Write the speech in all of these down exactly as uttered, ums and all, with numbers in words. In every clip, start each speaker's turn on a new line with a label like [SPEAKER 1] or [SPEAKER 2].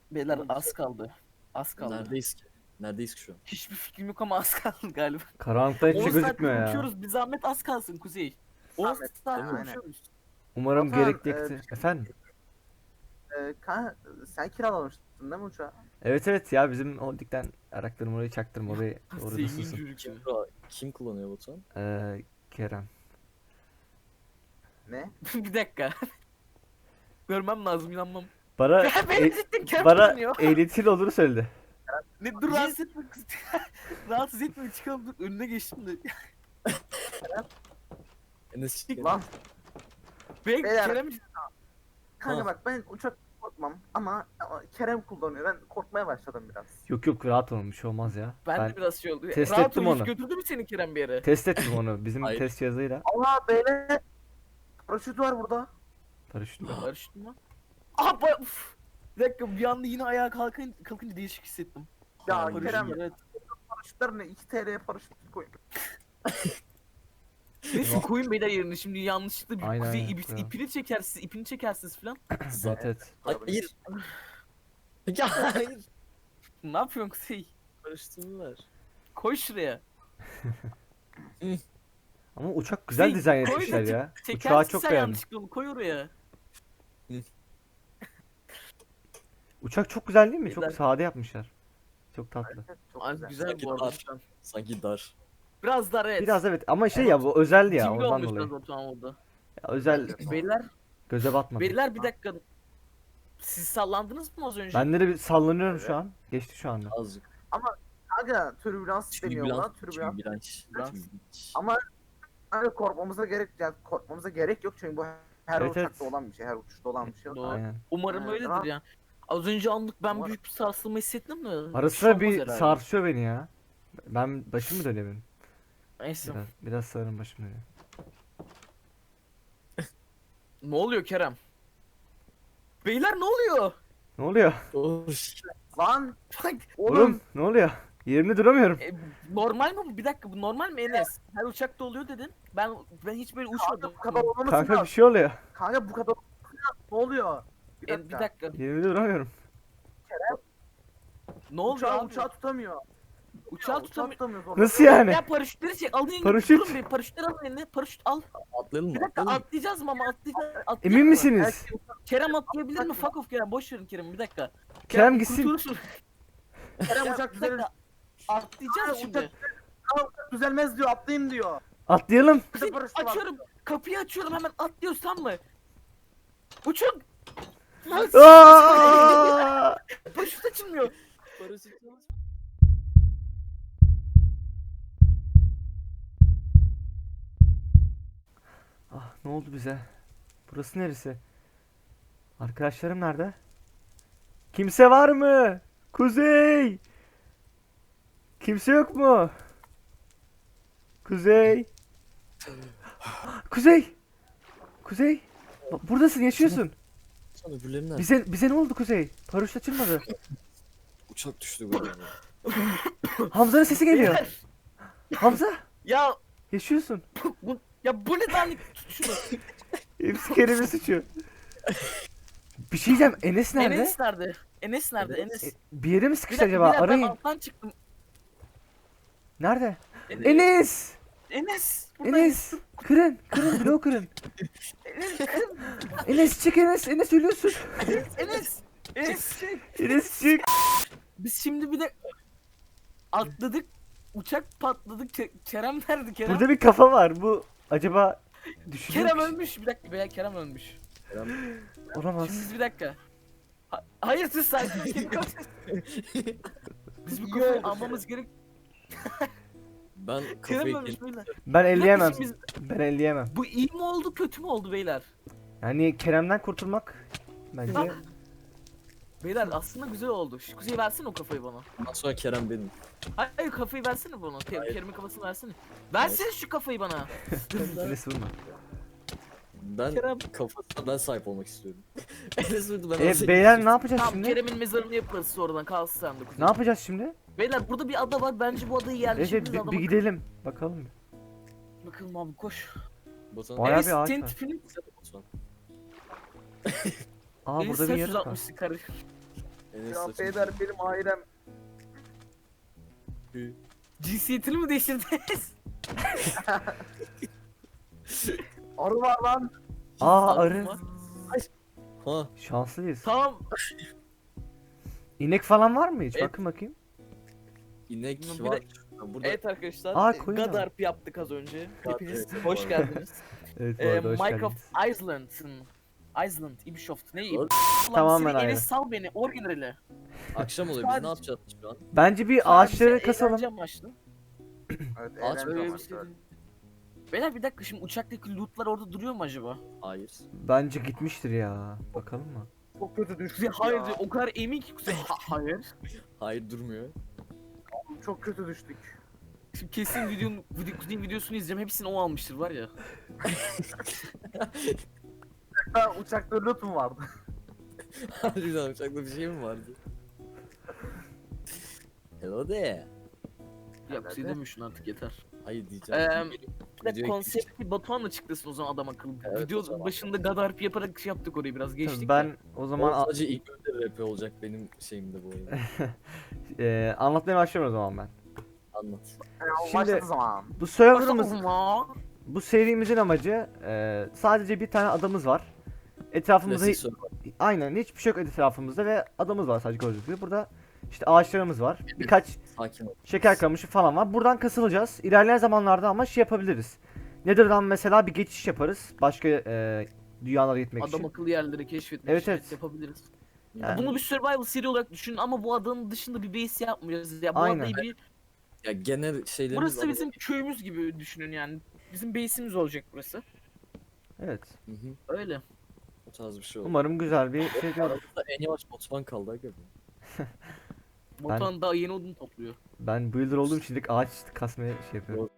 [SPEAKER 1] Beyler az kaldı. Az kaldı.
[SPEAKER 2] Neredeyiz ki? Neredeyiz ki şu an?
[SPEAKER 1] Hiçbir fikrim yok ama az kaldı galiba.
[SPEAKER 3] Karanlıkta hiçbir
[SPEAKER 1] on
[SPEAKER 3] şey
[SPEAKER 1] saattir
[SPEAKER 3] gözükmüyor ya.
[SPEAKER 1] uçuyoruz. Bir zahmet az kalsın Kuzey. on
[SPEAKER 4] Zahmet,
[SPEAKER 1] saattir
[SPEAKER 4] aynen.
[SPEAKER 1] uçuyoruz.
[SPEAKER 3] Umarım
[SPEAKER 4] Zafer,
[SPEAKER 3] gerekli
[SPEAKER 4] e,
[SPEAKER 3] ekti. Efendim?
[SPEAKER 4] Ee, kan sen kiralamıştın değil mi uçağı?
[SPEAKER 3] Evet evet ya bizim holdingden araklarım orayı çaktırma orayı orada
[SPEAKER 1] Zengin
[SPEAKER 3] susun.
[SPEAKER 1] çocuk ya.
[SPEAKER 2] Kim, bura- kim kullanıyor Batuhan?
[SPEAKER 3] Ee, Kerem.
[SPEAKER 4] Ne?
[SPEAKER 1] Bir dakika. Görmem lazım inanmam.
[SPEAKER 3] Bana,
[SPEAKER 1] Ya
[SPEAKER 3] e-
[SPEAKER 1] beni cidden Kerem
[SPEAKER 3] bana
[SPEAKER 1] kullanıyor.
[SPEAKER 3] ehliyetin olduğunu söyledi.
[SPEAKER 1] Ne dur rahatsız etme kız. Rahatsız etme çıkalım dur önüne geçtim de.
[SPEAKER 2] Enes çık.
[SPEAKER 4] Lan
[SPEAKER 1] Ben
[SPEAKER 4] Beyler.
[SPEAKER 1] Kerem
[SPEAKER 4] kanka
[SPEAKER 2] Ha.
[SPEAKER 4] bak ben uçak korkmam ama, ama Kerem kullanıyor. Ben korkmaya başladım biraz.
[SPEAKER 3] Yok yok rahat olun bir şey olmaz ya.
[SPEAKER 1] ben,
[SPEAKER 3] Ben
[SPEAKER 1] de biraz şey oldu.
[SPEAKER 3] test
[SPEAKER 1] Rahat
[SPEAKER 3] ettim
[SPEAKER 1] ol, hiç
[SPEAKER 3] onu.
[SPEAKER 1] götürdü mü seni Kerem bir yere?
[SPEAKER 3] test ettim onu bizim
[SPEAKER 2] Hayır.
[SPEAKER 3] test cihazıyla.
[SPEAKER 4] Allah beyler paraşüt var burada.
[SPEAKER 3] Paraşütle.
[SPEAKER 1] Barıştın mı? Aha ba- uf. Bir dakika bir anda yine ayağa kalkın, kalkınca değişik hissettim.
[SPEAKER 4] Ya
[SPEAKER 2] Hayır.
[SPEAKER 4] Kerem
[SPEAKER 1] Evet.
[SPEAKER 4] paraşütler ne? iki T L'ye paraşüt koyun.
[SPEAKER 1] Neyse koyun beyler yerine şimdi yanlışlıkla bir
[SPEAKER 3] Aynen,
[SPEAKER 1] kuzey
[SPEAKER 3] aynen,
[SPEAKER 1] ip-
[SPEAKER 3] koyalım.
[SPEAKER 1] ipini çekersiniz, ipini çekersiniz falan.
[SPEAKER 3] Evet evet.
[SPEAKER 2] Hayır. Ya hayır.
[SPEAKER 1] Ne yapıyorsun kuzey?
[SPEAKER 2] Karıştırdılar.
[SPEAKER 1] Koy şuraya.
[SPEAKER 3] Ama uçak güzel
[SPEAKER 1] Kuzey,
[SPEAKER 3] dizayn
[SPEAKER 1] koy da
[SPEAKER 3] etmişler
[SPEAKER 1] çek-
[SPEAKER 3] ya.
[SPEAKER 1] Çekersin
[SPEAKER 3] Uçağı çok
[SPEAKER 1] sen
[SPEAKER 3] beğendim.
[SPEAKER 1] yanlışlıkla onu koy oraya.
[SPEAKER 3] Uçak çok güzel değil mi? Çok
[SPEAKER 1] Güzel.
[SPEAKER 3] sade yapmışlar. Çok tatlı.
[SPEAKER 4] Çok
[SPEAKER 1] Ay,
[SPEAKER 4] güzel.
[SPEAKER 1] güzel
[SPEAKER 2] Sanki
[SPEAKER 1] bu arada.
[SPEAKER 2] dar.
[SPEAKER 1] şu an.
[SPEAKER 2] Sanki dar.
[SPEAKER 1] Biraz dar evet.
[SPEAKER 3] Biraz evet ama şey ya bu özel ya
[SPEAKER 1] Cimri
[SPEAKER 3] ondan
[SPEAKER 1] olmuş
[SPEAKER 3] dolayı.
[SPEAKER 1] biraz Batuhan orada.
[SPEAKER 3] Ya, özel
[SPEAKER 1] Beyler,
[SPEAKER 3] göze batmadı.
[SPEAKER 1] beyler bir dakika. Siz sallandınız mı az önce?
[SPEAKER 3] Ben de bir sallanıyorum şu an. Geçti şu anda.
[SPEAKER 2] Azıcık.
[SPEAKER 4] Kanka türbülans deniyor buna.
[SPEAKER 2] Türbülans.
[SPEAKER 4] Türbülans.
[SPEAKER 2] Türbülans.
[SPEAKER 1] Türbülans.
[SPEAKER 2] Türbülans.
[SPEAKER 4] Ama hani korkmamıza gerek yani korkmamıza gerek yok çünkü bu her
[SPEAKER 3] Evet,
[SPEAKER 4] uçakta
[SPEAKER 3] evet.
[SPEAKER 4] olan bir şey, her uçuşta olan bir şey.
[SPEAKER 1] Doğru.
[SPEAKER 3] Aynen.
[SPEAKER 1] Umarım
[SPEAKER 4] Evet,
[SPEAKER 1] öyledir
[SPEAKER 4] tamam.
[SPEAKER 1] ya. Az önce anlık ben
[SPEAKER 4] Umarım.
[SPEAKER 1] büyük bir sarsılma hissettim de.
[SPEAKER 3] Ara
[SPEAKER 1] bir şey
[SPEAKER 3] sıra
[SPEAKER 1] olmaz
[SPEAKER 3] bir
[SPEAKER 1] herhalde.
[SPEAKER 3] sarsıyor beni ya. Ben başım mı dönüyor benim?
[SPEAKER 1] Neyse.
[SPEAKER 3] Biraz, biraz sanırım başım dönüyor.
[SPEAKER 1] Ne oluyor Kerem? Beyler ne oluyor?
[SPEAKER 3] Ne oluyor?
[SPEAKER 2] Of.
[SPEAKER 4] Lan
[SPEAKER 1] Bak,
[SPEAKER 3] Oğlum,
[SPEAKER 4] oğlum
[SPEAKER 3] ne oluyor? Yerimde duramıyorum.
[SPEAKER 1] e, normal mi bu? Bir dakika bu normal mi Enes? Her uçakta oluyor dedin. Ben ben hiç böyle uçmadım.
[SPEAKER 4] kanka bu kadar olmaması
[SPEAKER 3] Kanka bir
[SPEAKER 4] lazım.
[SPEAKER 3] şey oluyor.
[SPEAKER 4] Kanka bu kadar ne oluyor? Bir
[SPEAKER 1] E,
[SPEAKER 4] dakika.
[SPEAKER 1] bir dakika.
[SPEAKER 3] Yerimde duramıyorum.
[SPEAKER 1] Ne oldu
[SPEAKER 4] Uçağı,
[SPEAKER 1] abi?
[SPEAKER 4] uçağı tutamıyor.
[SPEAKER 1] Uçağı tutamıyor.
[SPEAKER 4] tutamıyor sonra.
[SPEAKER 3] Nasıl yani?
[SPEAKER 1] Ya paraşütleri çek. Alın elini.
[SPEAKER 3] Paraşüt.
[SPEAKER 1] Durun bir paraşütleri alın eline. Paraşüt al.
[SPEAKER 2] Atlayalım
[SPEAKER 1] Bir
[SPEAKER 2] mı?
[SPEAKER 1] dakika
[SPEAKER 2] Atlayalım mı?
[SPEAKER 1] atlayacağız mı ama atlayacağız. atlayacak
[SPEAKER 3] Emin
[SPEAKER 1] mı?
[SPEAKER 3] misiniz?
[SPEAKER 1] Kerem atlayabilir mi? Fuck off Kerem. Boş verin Kerem bir dakika.
[SPEAKER 3] Kerem gitsin.
[SPEAKER 1] kurtulursun.
[SPEAKER 4] Kerem
[SPEAKER 1] Ya,
[SPEAKER 4] uçak
[SPEAKER 1] bir
[SPEAKER 4] düzelir.
[SPEAKER 1] dakika. Atlayacağız
[SPEAKER 4] Aa,
[SPEAKER 1] şimdi.
[SPEAKER 4] uçak- Aa, uçak düzelmez diyor atlayayım diyor.
[SPEAKER 3] Atlayalım.
[SPEAKER 1] Kuzey,
[SPEAKER 4] paraşütü var.
[SPEAKER 1] açıyorum. Kapıyı açıyorum hemen atlıyoruz tamam mı? Uçun. Lan,
[SPEAKER 3] Aa!
[SPEAKER 1] paraşüt açılmıyor.
[SPEAKER 2] Paraşüt.
[SPEAKER 3] Ah ne oldu bize? Burası neresi? Arkadaşlarım nerede? Kimse var mı? Kuzey! Kimse yok mu? Kuzey! Kuzey! Kuzey! Bak, buradasın yaşıyorsun.
[SPEAKER 2] Sonra öbürleri nerede?
[SPEAKER 3] Bize bize ne oldu Kuzey? Paraşüt açılmadı.
[SPEAKER 2] Uçak düştü galiba.
[SPEAKER 3] Hamza'nın sesi geliyor.
[SPEAKER 1] Beyler,
[SPEAKER 3] Hamza!
[SPEAKER 1] Ya
[SPEAKER 3] Yaşıyorsun.
[SPEAKER 1] bu, ya bu ne lan? Tut şunu.
[SPEAKER 3] Hepsi Kerem'in suçu. Bir şey diyeceğim. Enes nerede?
[SPEAKER 1] Enes nerede? Enes nerede? Enes.
[SPEAKER 3] E, bir yere mi
[SPEAKER 1] Bir
[SPEAKER 3] sıkıştı
[SPEAKER 1] dakika,
[SPEAKER 3] acaba?
[SPEAKER 1] bir dakika, ben
[SPEAKER 3] Arayın.
[SPEAKER 1] alttan çıktım.
[SPEAKER 3] Nerede?
[SPEAKER 1] Enes.
[SPEAKER 3] Enes!
[SPEAKER 1] Enes. buradayım.
[SPEAKER 3] Enes! Kırın! Kırın! Bloğu kırın!
[SPEAKER 1] Enes. kırın.
[SPEAKER 3] Enes çık Enes! Enes ölüyorsun!
[SPEAKER 1] Enes. Enes.
[SPEAKER 3] Enes çık!
[SPEAKER 1] Biz şimdi bir de atladık. Uçak patladı. Ke- Kerem nerede Kerem?
[SPEAKER 3] Burada bir kafa var. Bu acaba düşünüyor
[SPEAKER 1] Kerem
[SPEAKER 3] mu?
[SPEAKER 1] ölmüş. Bir dakika veya Kerem ölmüş.
[SPEAKER 3] Olamaz.
[SPEAKER 1] Şimdi biz bir dakika. Ha- hayır siz sakin. Biz bu kafayı almamız gerek.
[SPEAKER 2] Ben
[SPEAKER 1] Kerem
[SPEAKER 2] kafayı
[SPEAKER 1] ölmüş
[SPEAKER 2] kendim...
[SPEAKER 1] beyler.
[SPEAKER 3] Ben elleyemem.
[SPEAKER 1] Biz-
[SPEAKER 3] Ben elleyemem.
[SPEAKER 1] Bu iyi mi oldu kötü mü oldu beyler?
[SPEAKER 3] Yani Kerem'den kurtulmak bence
[SPEAKER 1] Bak. Beyler aslında güzel oldu. Şu kuzeyi versene o kafayı bana.
[SPEAKER 2] Ondan sonra Kerem benim.
[SPEAKER 1] Hayır kafayı versene bana. Ke-
[SPEAKER 2] Hayır.
[SPEAKER 1] Kerem'in kafasını versene. Versene şu kafayı bana.
[SPEAKER 3] Enes vurma.
[SPEAKER 2] Ben
[SPEAKER 1] Kerem.
[SPEAKER 2] kafasına ben sahip olmak istiyorum. Enes vurdu ben
[SPEAKER 3] E
[SPEAKER 2] nasıl
[SPEAKER 3] beyler ne yapacağız
[SPEAKER 1] Tamam
[SPEAKER 3] şimdi?
[SPEAKER 1] Kerem'in mezarını yaparız sonradan kalsın sen de kuzey.
[SPEAKER 3] Ne yapacağız şimdi?
[SPEAKER 1] Beyler burada bir ada var. Bence bu adayı
[SPEAKER 3] Evet
[SPEAKER 1] yerleştiririz.
[SPEAKER 3] bir,
[SPEAKER 1] adama.
[SPEAKER 3] bir gidelim. Bakalım. bir.
[SPEAKER 1] Bakalım abi koş.
[SPEAKER 2] Batuhan.
[SPEAKER 3] Bayağı
[SPEAKER 1] Enes
[SPEAKER 3] bir ağaç
[SPEAKER 1] senin
[SPEAKER 3] var.
[SPEAKER 1] tipini.
[SPEAKER 2] Batuhan.
[SPEAKER 3] Aa
[SPEAKER 1] Enes
[SPEAKER 3] burada bir
[SPEAKER 1] sen
[SPEAKER 3] yarık var.
[SPEAKER 1] yüz altmışlık karı.
[SPEAKER 2] Enes
[SPEAKER 4] Ya
[SPEAKER 2] saçını-
[SPEAKER 4] beyler benim ailem.
[SPEAKER 1] Cinsiyetini mi değiştirdiniz?
[SPEAKER 4] Arı var lan.
[SPEAKER 3] Aa
[SPEAKER 2] Aklım
[SPEAKER 3] arı.
[SPEAKER 2] var. Ha,
[SPEAKER 3] Şanslıyız.
[SPEAKER 1] Tamam.
[SPEAKER 3] İnek falan var mı hiç?
[SPEAKER 1] Evet.
[SPEAKER 3] Bakın bakayım.
[SPEAKER 2] inek
[SPEAKER 1] Bir
[SPEAKER 2] var.
[SPEAKER 1] de-
[SPEAKER 2] Burada
[SPEAKER 1] Evet arkadaşlar.
[SPEAKER 3] Aa,
[SPEAKER 1] e,
[SPEAKER 3] koyun var.
[SPEAKER 1] Gadarp yaptık az önce.
[SPEAKER 2] Gad-
[SPEAKER 1] Hepiniz
[SPEAKER 2] evet,
[SPEAKER 1] hoş
[SPEAKER 2] doğru.
[SPEAKER 1] geldiniz.
[SPEAKER 3] Evet bu
[SPEAKER 1] Ee,
[SPEAKER 3] arada hoş
[SPEAKER 1] Minecraft
[SPEAKER 3] geldiniz.
[SPEAKER 1] Island'ın Island, Ubisoft ne?
[SPEAKER 2] Doğru.
[SPEAKER 1] Ulan
[SPEAKER 3] Tamamen
[SPEAKER 1] seni
[SPEAKER 3] ayrı.
[SPEAKER 1] Enes sal beni orijinali.
[SPEAKER 2] akşam oluyor. Biz
[SPEAKER 1] Sadece-
[SPEAKER 2] ne yapacağız şu an?
[SPEAKER 3] Bence bir
[SPEAKER 1] Sadece
[SPEAKER 3] ağaçları kasalım.
[SPEAKER 1] eğlence amaçlı.
[SPEAKER 4] Evet,
[SPEAKER 2] Ağaç
[SPEAKER 4] eğlence
[SPEAKER 2] böyle bir
[SPEAKER 4] amaçlı.
[SPEAKER 2] şey değil.
[SPEAKER 1] Beyler bir dakika şimdi uçaktaki lootlar orada duruyor mu acaba?
[SPEAKER 2] Hayır.
[SPEAKER 3] Bence gitmiştir ya. Bakalım mı?
[SPEAKER 4] Çok kötü düştük
[SPEAKER 1] Kuzey hayır
[SPEAKER 4] ya.
[SPEAKER 1] diyor, o kadar emin ki Kuzey ha- hayır.
[SPEAKER 2] Hayır durmuyor.
[SPEAKER 4] Çok kötü düştük.
[SPEAKER 1] Şimdi kesin videonun video, Kuzey'in videosunu izleyeceğim hepsini o almıştır var ya.
[SPEAKER 4] Ha, uçakta loot mu vardı?
[SPEAKER 2] Harbiden uçakta bir şey mi vardı? Hello there.
[SPEAKER 1] Ya Kuzey deme şunu artık yeter.
[SPEAKER 2] Hayır diyeceğim.
[SPEAKER 1] Eee
[SPEAKER 2] Video-
[SPEAKER 1] bir de
[SPEAKER 2] videoya
[SPEAKER 1] konsepti Batuhan'la çıktırsın o zaman adam akıllı.
[SPEAKER 2] Evet, o
[SPEAKER 1] Video
[SPEAKER 2] zaman.
[SPEAKER 1] başında Gadarp yaparak şey yaptık orayı biraz geçtik.
[SPEAKER 3] Tabii
[SPEAKER 1] ben...
[SPEAKER 3] ben o
[SPEAKER 2] O
[SPEAKER 3] zaman a-
[SPEAKER 2] sadece ilk önce rap olacak benim şeyimde bu oyun.
[SPEAKER 3] e, anlatmaya başlıyorum o zaman ben.
[SPEAKER 2] Anlat.
[SPEAKER 4] Yani
[SPEAKER 3] Şimdi-
[SPEAKER 4] başladı zaman.
[SPEAKER 3] Bu serverımız,
[SPEAKER 1] Ama
[SPEAKER 3] bu serimizin amacı e, sadece bir tane adamız var. Etrafımızda
[SPEAKER 2] Klasik soru.
[SPEAKER 3] aynen hiçbir şey yok etrafımızda ve adamız var sadece gördüğünüz gibi. Burada işte ağaçlarımız var. Birkaç
[SPEAKER 2] Sakin ol.
[SPEAKER 3] şeker kamışı falan var. Buradan kasılacağız. İlerleyen zamanlarda ama şey yapabiliriz. Nether'dan mesela bir geçiş yaparız. Başka e, dünyalara gitmek
[SPEAKER 1] adam
[SPEAKER 3] için.
[SPEAKER 1] akıllı yerleri keşfetmek
[SPEAKER 3] Evet,
[SPEAKER 1] için
[SPEAKER 3] evet.
[SPEAKER 1] yapabiliriz.
[SPEAKER 3] Yani-
[SPEAKER 1] Bunu bir survival seri olarak düşünün ama bu adanın dışında bir base yapmayacağız. Ya bu
[SPEAKER 3] Aynen.
[SPEAKER 1] adayı bir
[SPEAKER 2] Ya genel şeylerimiz
[SPEAKER 1] burası
[SPEAKER 2] ama-
[SPEAKER 1] bizim köyümüz gibi düşünün yani. Bizim base'imiz olacak burası.
[SPEAKER 3] Evet.
[SPEAKER 2] Hı hı.
[SPEAKER 1] Öyle.
[SPEAKER 2] O tarz bir şey oldu.
[SPEAKER 3] Umarım güzel bir şey olur.
[SPEAKER 2] Aramızda en yavaş Botman kaldı aga.
[SPEAKER 1] Botan daha yeni odun topluyor.
[SPEAKER 3] Ben builder olduğum için direkt ağaç kasmaya şey yapıyorum.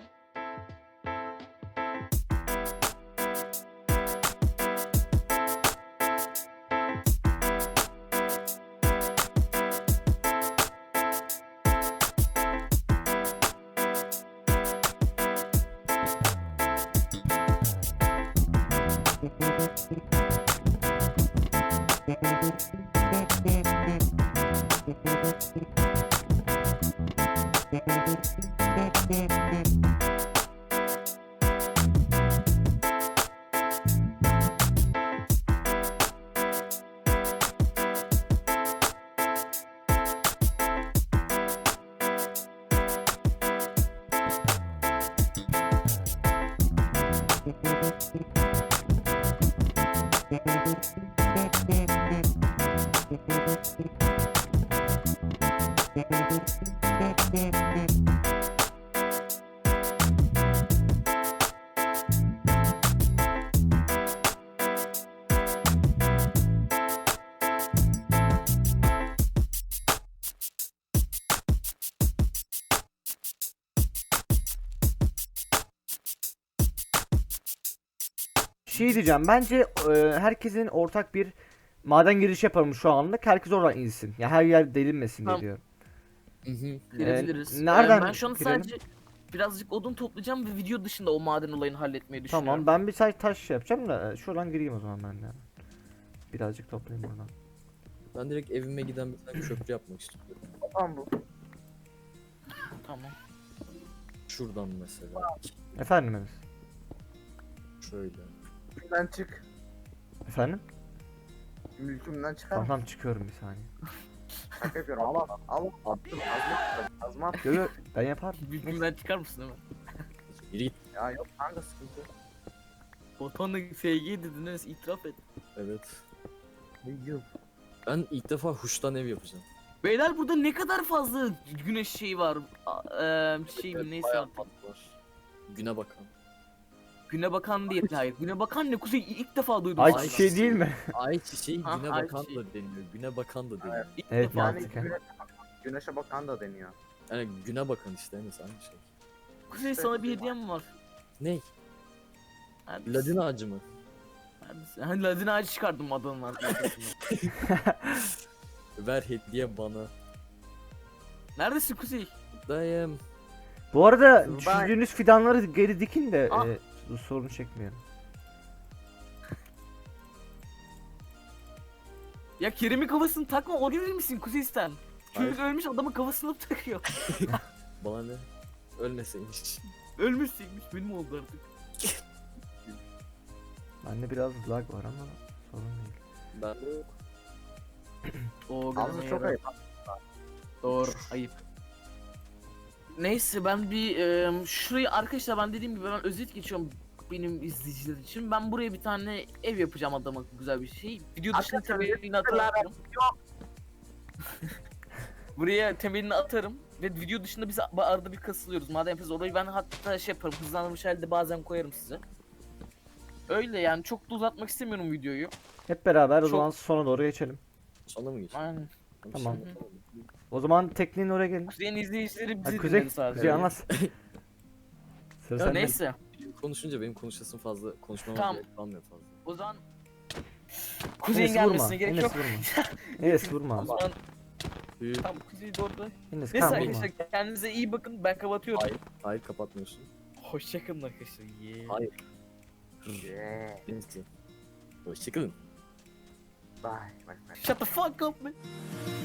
[SPEAKER 3] Şey diyeceğim bence e, herkesin ortak bir maden girişi yapalım şu anlık. Herkes oradan insin. Ya her yer delinmesin
[SPEAKER 1] Tamam.
[SPEAKER 3] diye diyorum.
[SPEAKER 2] Hı hı.
[SPEAKER 1] Girebiliriz.
[SPEAKER 3] Ee, nereden
[SPEAKER 1] Ee, ben şu an
[SPEAKER 3] girelim?
[SPEAKER 1] sadece birazcık odun toplayacağım ve video dışında o maden olayını halletmeyi düşünüyorum.
[SPEAKER 3] Tamam ben bir sadece taş şey yapacağım da e, şuradan gireyim o zaman ben de. Birazcık toplayayım buradan.
[SPEAKER 2] Ben direkt evime giden bir tane köprü yapmak istiyorum.
[SPEAKER 4] Tamam bu.
[SPEAKER 1] Tamam.
[SPEAKER 2] Şuradan mesela.
[SPEAKER 3] Efendim Enes?
[SPEAKER 2] Şöyle.
[SPEAKER 4] Mülkümden çık.
[SPEAKER 3] Efendim?
[SPEAKER 4] Mülkümden çıkar
[SPEAKER 3] Tamam
[SPEAKER 4] mısın?
[SPEAKER 3] tamam çıkıyorum bir saniye.
[SPEAKER 4] Şaka yapıyorum. Allah Allah. Attım. Azma attım. Azma attım.
[SPEAKER 3] Yo yo ben yaparım.
[SPEAKER 1] Bilgimden çıkar mısın değil mi?
[SPEAKER 2] Yürü git.
[SPEAKER 4] Ya yok kanka sıkıntı yok.
[SPEAKER 1] Botan'la F G dediniz itiraf et.
[SPEAKER 2] Evet.
[SPEAKER 4] Ne yıl?
[SPEAKER 2] Ben ilk defa huştan ev yapacağım.
[SPEAKER 1] Beyler burada ne kadar fazla güneş şeyi var. A- eee şey mi neyse
[SPEAKER 2] Bayağı
[SPEAKER 1] artık.
[SPEAKER 2] mat var. Güne bakan.
[SPEAKER 1] Güne bakan değil hayır. Güne bakan ne Kuzey ilk defa duydum.
[SPEAKER 3] Ay
[SPEAKER 1] bu
[SPEAKER 3] çiçeği
[SPEAKER 1] arada.
[SPEAKER 3] değil mi?
[SPEAKER 2] Ay çiçeği
[SPEAKER 1] Ha,
[SPEAKER 2] güne
[SPEAKER 1] ay
[SPEAKER 2] bakan
[SPEAKER 1] çiçeği.
[SPEAKER 2] da deniyor. Güne bakan da deniyor.
[SPEAKER 1] İlk
[SPEAKER 3] Evet,
[SPEAKER 1] defa.
[SPEAKER 4] Yani
[SPEAKER 3] mantıken.
[SPEAKER 4] güne, güneşe bakan da deniyor.
[SPEAKER 2] Yani güne bakan işte en aynı şey.
[SPEAKER 1] Kuzey sana bir hediyem var.
[SPEAKER 2] Ne?
[SPEAKER 1] Neredesin?
[SPEAKER 2] Ladin ağacı mı?
[SPEAKER 1] Neredesin? Ha, Ladin ağacı çıkardım adamın arkasından.
[SPEAKER 2] Ver hediye bana.
[SPEAKER 1] Neredesin Kuzey?
[SPEAKER 2] Dayım.
[SPEAKER 3] Bu arada
[SPEAKER 4] Ben-
[SPEAKER 3] düşündüğünüz fidanları geri dikin de
[SPEAKER 1] Ah.
[SPEAKER 3] e, bu sorunu çekmeyelim.
[SPEAKER 1] Ya Kerem'in kafasını takma, o gelir misin Kuzeyisten? Çocuk
[SPEAKER 2] Hayır.
[SPEAKER 1] ölmüş, adamın kafasını takıyor.
[SPEAKER 2] Bana ne? Ölmeseymiş.
[SPEAKER 1] Ölmüşseymiş, benim oldu artık.
[SPEAKER 3] Bende biraz lag var ama sorun değil.
[SPEAKER 2] Ben de yok.
[SPEAKER 1] Oo,
[SPEAKER 4] Ağzı çok ayıp.
[SPEAKER 1] Doğru, ayıp. Neyse ben bir e, şurayı arkadaşlar, ben dediğim gibi ben özet geçiyorum benim izleyiciler için. Ben buraya bir tane ev yapacağım adama, güzel bir şey. Video dışında
[SPEAKER 4] Arkadaşlar,
[SPEAKER 1] temelini atarım. Buraya temelini atarım ve video dışında biz arada bir kasılıyoruz. Madem yapıyoruz orayı, ben hatta şey yaparım, hızlandırmış halde bazen koyarım size. Öyle yani, çok da uzatmak istemiyorum videoyu.
[SPEAKER 3] Hep beraber o
[SPEAKER 1] Çok-
[SPEAKER 3] zaman sona doğru geçelim.
[SPEAKER 2] Sonra mı geçelim?
[SPEAKER 1] Aynen.
[SPEAKER 3] Tamam.
[SPEAKER 2] Şimdi-
[SPEAKER 3] O zaman tekniğin oraya gelin.
[SPEAKER 1] Kuzey'in izleyicileri bizi
[SPEAKER 3] Hadi Kuzey,
[SPEAKER 1] dinledi sadece.
[SPEAKER 3] Kuzey anlat. Sıra
[SPEAKER 1] Ya
[SPEAKER 3] sende.
[SPEAKER 1] neyse,
[SPEAKER 2] Konuşunca benim konuşasım fazla, konuşmama
[SPEAKER 1] Tamam.
[SPEAKER 2] gerek kalmıyor fazla.
[SPEAKER 1] o zaman Kuzey'in
[SPEAKER 3] Enes vurma.
[SPEAKER 1] gelmesine gerek
[SPEAKER 3] Enes
[SPEAKER 1] yok.
[SPEAKER 3] vurma. Enes vurma.
[SPEAKER 1] O zaman
[SPEAKER 2] Büyük.
[SPEAKER 1] tam Kuzey doğru da.
[SPEAKER 3] Enes
[SPEAKER 1] Neyse
[SPEAKER 3] kan vurma.
[SPEAKER 1] arkadaşlar, kendinize iyi bakın, ben kapatıyorum.
[SPEAKER 2] Hayır, hayır kapatmıyorsun.
[SPEAKER 1] Hoşçakalın arkadaşlar. Yeah.
[SPEAKER 2] Hayır.
[SPEAKER 4] Yeah.
[SPEAKER 2] Neyse. Hoşçakalın.
[SPEAKER 4] Bye. Bye. Bye.
[SPEAKER 1] Shut the fuck up man.